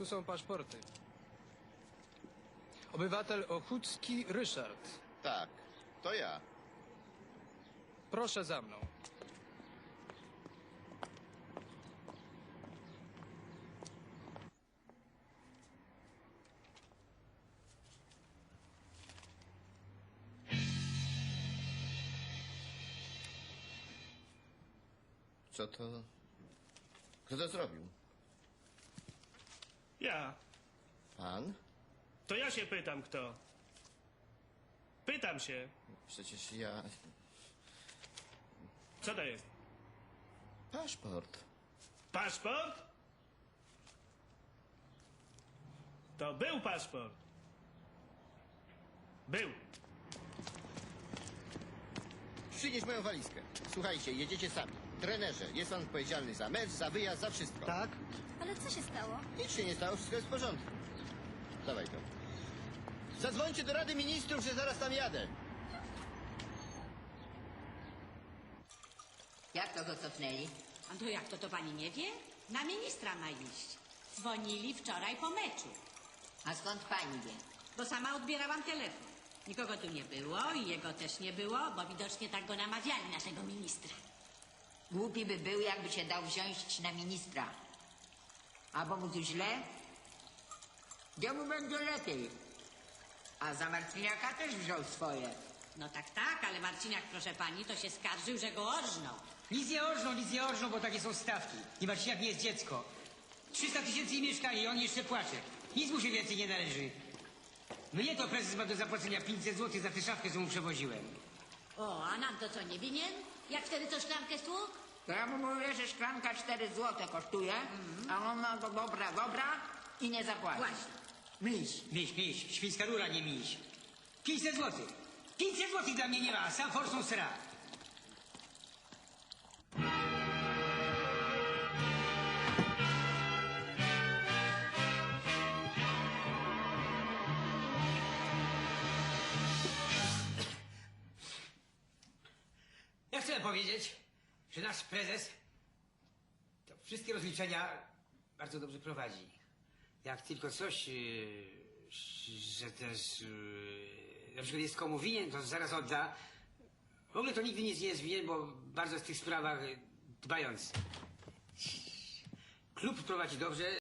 Tu są paszporty. Obywatel Ochucki Ryszard. Tak, to ja. Proszę za mną. Co to... Kto to zrobił? Ja. Pan? To ja się pytam, kto. Pytam się. Przecież ja... Co to jest? Paszport. Paszport? To był paszport. Był. Przynieś moją walizkę. Słuchajcie, jedziecie sami. Trenerze, jest pan odpowiedzialny za mecz, za wyjazd, za wszystko. Tak? Ale co się stało? Nic się nie stało, wszystko jest w porządku. Dawaj to. Zadzwońcie do Rady Ministrów, że zaraz tam jadę. Jak to go cofnęli? A to jak to pani nie wie? Na ministra ma iść. Dzwonili wczoraj po meczu, A skąd pani wie? bo sama odbierałam telefon. Nikogo tu nie było i jego też nie było, bo widocznie tak go namawiali, naszego ministra. Głupi by był, jakby się dał wziąć na ministra. Albo mu tu źle? Gdzie mu będzie lepiej? A za Marciniaka też wziął swoje. No tak, ale Marciniak, proszę pani, to się skarżył, że go orżnął. Nic nie orżną, bo takie są stawki. I Marciniak nie jest dziecko. 300 tysięcy i mieszkanie i on jeszcze płacze. Nic mu się więcej nie należy. Mnie to prezes ma do zapłacenia 500 zł za tę szafkę, co mu przewoziłem. O, a nam to co, nie winien? Jak wtedy co szklankę stłukł? To ja mu mówię, że szklanka 4 zł kosztuje, a on ma to dobra i nie zapłaci. Właśnie. Miś, świńska rura, nie miś. 500 zł. 500 zł dla mnie nie ma, sam forsą sra. Ja chcę powiedzieć, że nasz prezes to wszystkie rozliczenia bardzo dobrze prowadzi. Jak tylko coś, że też na przykład jest komu winien, to zaraz odda. W ogóle to nigdy nic nie jest winien, bo bardzo jest w tych sprawach dbający. Klub prowadzi dobrze.